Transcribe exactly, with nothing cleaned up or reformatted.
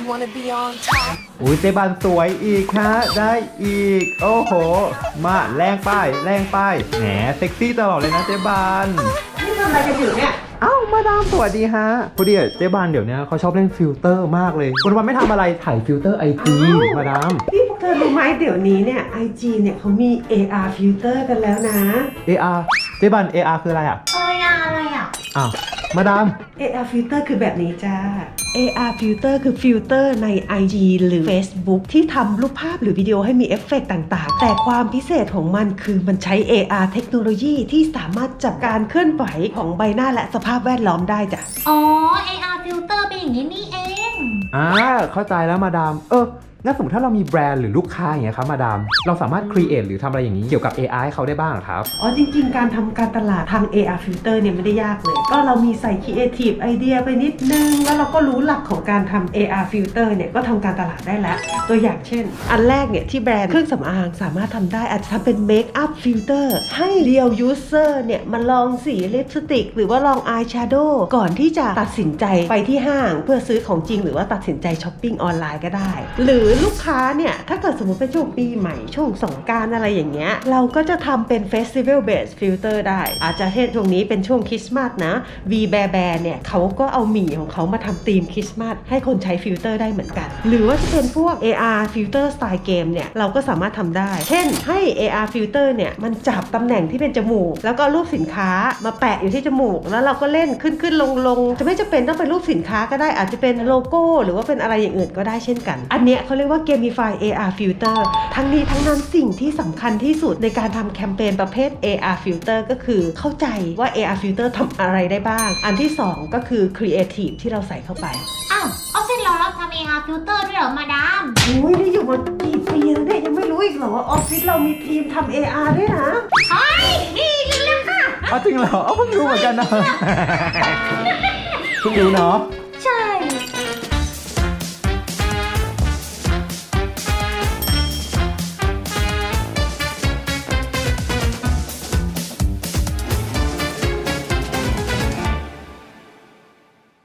wanna be on top อุ้ยเจ๊บานสวยอีกฮะได้อีกโอ้โหมาแรงป้ายแรงป้ายแหมเซ็กซี่ตลอดเลยนะเจ๊บานนี่ทำอะไรกันอยู่เนี่ยเอ้ามาดามสวัสดีฮะพอดีเจ๊บานเดี๋ยวนี้เขาชอบเล่นฟิลเตอร์มากเลยวันวันไม่ทำอะไรถ่ายฟิลเตอร์ไอจีมาดามนี่พวกเธอรู้ไหมเดี๋ยวนี้เนี่ย ไอ จี เนี่ยเขามี เอ อาร์ filter กันแล้วนะเอ อาร์ เจ๊บาน เอ อาร์ คืออะไรอ่ะเอ้ยอะไรอ่ะอ้าวมาดามเอ อาร์ filter คือแบบนี้จ้า เอ อาร์ filter คือฟิลเตอร์ใน ไอ จี หรือ Facebook ที่ทำรูปภาพหรือวิดีโอให้มีเอฟเฟกต์ต่างๆ แต่ความพิเศษของมันคือมันใช้ เอ อาร์ เทคโนโลยีที่สามารถจับการเคลื่อนไหวของใบหน้าและสภาพแวดล้อมได้จ้ะอ๋อ เอ อาร์ filter เป็นอย่างนี้นี่เองอ่าเข้าใจแล้วมาดามเอองั้นสมมติถ้าเรามีแบรนด์หรือลูกค้าอย่างเงี้ยครับมาดามเราสามารถครีเอทหรือทำอะไรอย่างนี้เกี่ยวกับ เอ ไอ ให้เขาได้บ้างครับอ๋อจริงๆ การทำการตลาดทาง เอ อาร์ filter เนี่ยไม่ได้ยากเลย ก็เรามีใส่ creative idea ไปนิดนึง แล้วเราก็รู้หลักของการทำ เอ อาร์ filter เนี่ยก็ทำการตลาดได้แล้ว ตัวอย่างเช่น อันแรกเนี่ยที่แบรนด์เครื่องสำอางสามารถทำได้อาจจะทำเป็น make up filter ให้เรียว user เนี่ยมาลองสีลิปสติกหรือว่าลอง eye shadow ก่อนที่จะตัดสินใจไปที่ห้างเพื่อซื้อของจริงหรือว่าตัดสินใจช้อปปิ้งออนไลน์ก็ได้ หรือลูกค้าเนี่ยถ้าเกิดสมมติเป็นช่วงปีใหม่ช่วงสงกรานต์อะไรอย่างเงี้ยเราก็จะทำเป็น Festival Based Filter ได้อาจจะเช่นช่วงนี้เป็นช่วงคริสต์มาสนะ V Bear Bear เนี่ยเขาก็เอาหมี่ของเขามาทำธีมคริสต์มาสให้คนใช้ฟิลเตอร์ได้เหมือนกันหรือว่าจะเป็นพวก เอ อาร์ Filter Style Game เนี่ยเราก็สามารถทำได้เช่นให้ เอ อาร์ Filter เนี่ยมันจับตำแหน่งที่เป็นจมูกแล้วก็รูปสินค้ามาแปะอยู่ที่จมูกแล้วเราก็เล่นขึ้นขึ้นลงลงจะไม่จำเป็นต้องเป็นรูปสินค้าก็ได้อาจจะเป็นโลโก้หรือว่าเป็นอะไรอย่างอื่นก็ได้เช่นกันอันเนี้ยเขาเรียกว่า Gamify เอ อาร์ Filter ทั้งนี้ทั้งนั้นสิ่งที่สำคัญที่สุดในการทำแคมเปญประเภท เอ อาร์ Filter ก็คือเข้าใจว่า เอ อาร์ Filter ทำอะไรได้บ้างอันที่สองก็คือ Creative ที่เราใส่เข้าไปอ้าวออฟฟิศเรารับทำ เอ อาร์ filter ด้วยเหรอมาดามโอ้ยนี่อยู่มากี่ปีแล้วเนี่ยยังไม่รู้อีกเหรอว่าออฟฟิศเรามีทีมทำ เอ อาร์ ด้วยนะเฮ้ยนี่รู้แล้วค่ะเอาจริงเหรอเอาเพิ่งรู้เหมือนกันนะ เพิ่งรู้เนาะ